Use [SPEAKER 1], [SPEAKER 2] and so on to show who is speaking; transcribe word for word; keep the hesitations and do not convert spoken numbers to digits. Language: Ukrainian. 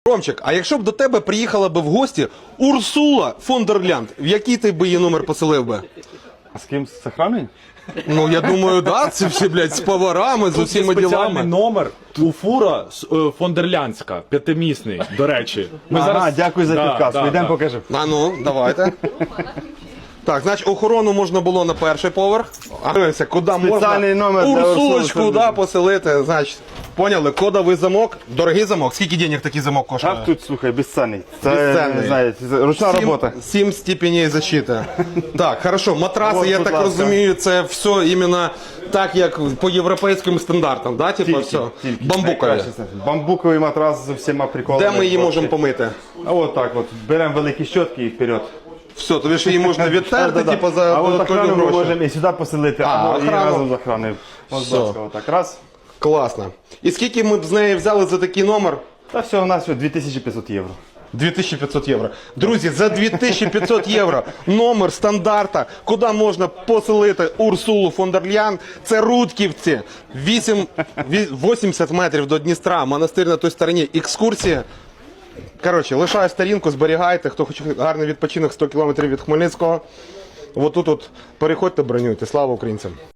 [SPEAKER 1] Ромчик, а якщо б до тебе приїхала би в гості Урсула фон дер Ляйн, в який ти би її номер поселив би?
[SPEAKER 2] А з ким? З охраною?
[SPEAKER 1] Ну, я думаю, да, це всі, блядь, з поварами, з усіма
[SPEAKER 3] Спеціальний
[SPEAKER 1] ділами.
[SPEAKER 3] номер у фура е, фондерлянська, п'ятимісний, до речі. Ми
[SPEAKER 2] Ага, дякую за
[SPEAKER 3] Да,
[SPEAKER 2] підказку.
[SPEAKER 3] да,
[SPEAKER 2] Йдемо
[SPEAKER 3] да.
[SPEAKER 2] покажемо.
[SPEAKER 1] А ну, давайте. Так, значить, охорону можна було на перший поверх. А дивимося, куди можна
[SPEAKER 2] Спеціальний номер для Урсули
[SPEAKER 1] Урсулочку,
[SPEAKER 2] фон дер
[SPEAKER 1] да,
[SPEAKER 2] Ляйн.
[SPEAKER 1] поселити. Значить, поняли, кодовий замок, дорогий замок. Скільки денег такий замок коштує?
[SPEAKER 2] А тут, слухай, безцінний. Це,
[SPEAKER 1] Безцінний.
[SPEAKER 2] не знаю, це ручна
[SPEAKER 1] Сім-
[SPEAKER 2] робота.
[SPEAKER 1] Сім степеней защити. Так, хорошо, матраси,
[SPEAKER 2] Вот,
[SPEAKER 1] я
[SPEAKER 2] будь
[SPEAKER 1] так
[SPEAKER 2] ласка.
[SPEAKER 1] розумію, це все іменно так, як по європейським стандартам, да? Типа все. Бамбукові.
[SPEAKER 2] Найкраще це. Бамбуковий матрас з усіма приколами.
[SPEAKER 1] Де ми її можемо
[SPEAKER 2] Вообще.
[SPEAKER 1] помити?
[SPEAKER 2] А от так от. Беремо великі щотки і вперед.
[SPEAKER 1] Все, тобі ж її можна відтерти,
[SPEAKER 2] Да-да-да.
[SPEAKER 1] типу, за
[SPEAKER 2] А от
[SPEAKER 1] додаткові
[SPEAKER 2] охрану ми
[SPEAKER 1] гроші.
[SPEAKER 2] можемо і сюди поселити,
[SPEAKER 1] А,
[SPEAKER 2] або і
[SPEAKER 1] охрану.
[SPEAKER 2] разом з охраною. Ось,
[SPEAKER 1] Все.
[SPEAKER 2] будь ласка, отак. Раз.
[SPEAKER 1] Класно. І скільки ми б з неї взяли за такий номер?
[SPEAKER 2] Та все, у нас дві тисячі п'ятсот євро.
[SPEAKER 1] дві тисячі п'ятсот євро. Друзі, за дві тисячі п'ятсот євро номер стандарта, куди можна поселити Урсулу фон дер Ляйн, це Рудківці, вісім, вісімдесят метрів до Дністра, монастир на той стороні, екскурсія. Коротше, лишаю сторінку, зберігайте, хто хоче гарний відпочинок сто кілометрів від Хмельницького. Отут от переходьте, бронюйте. Слава українцям!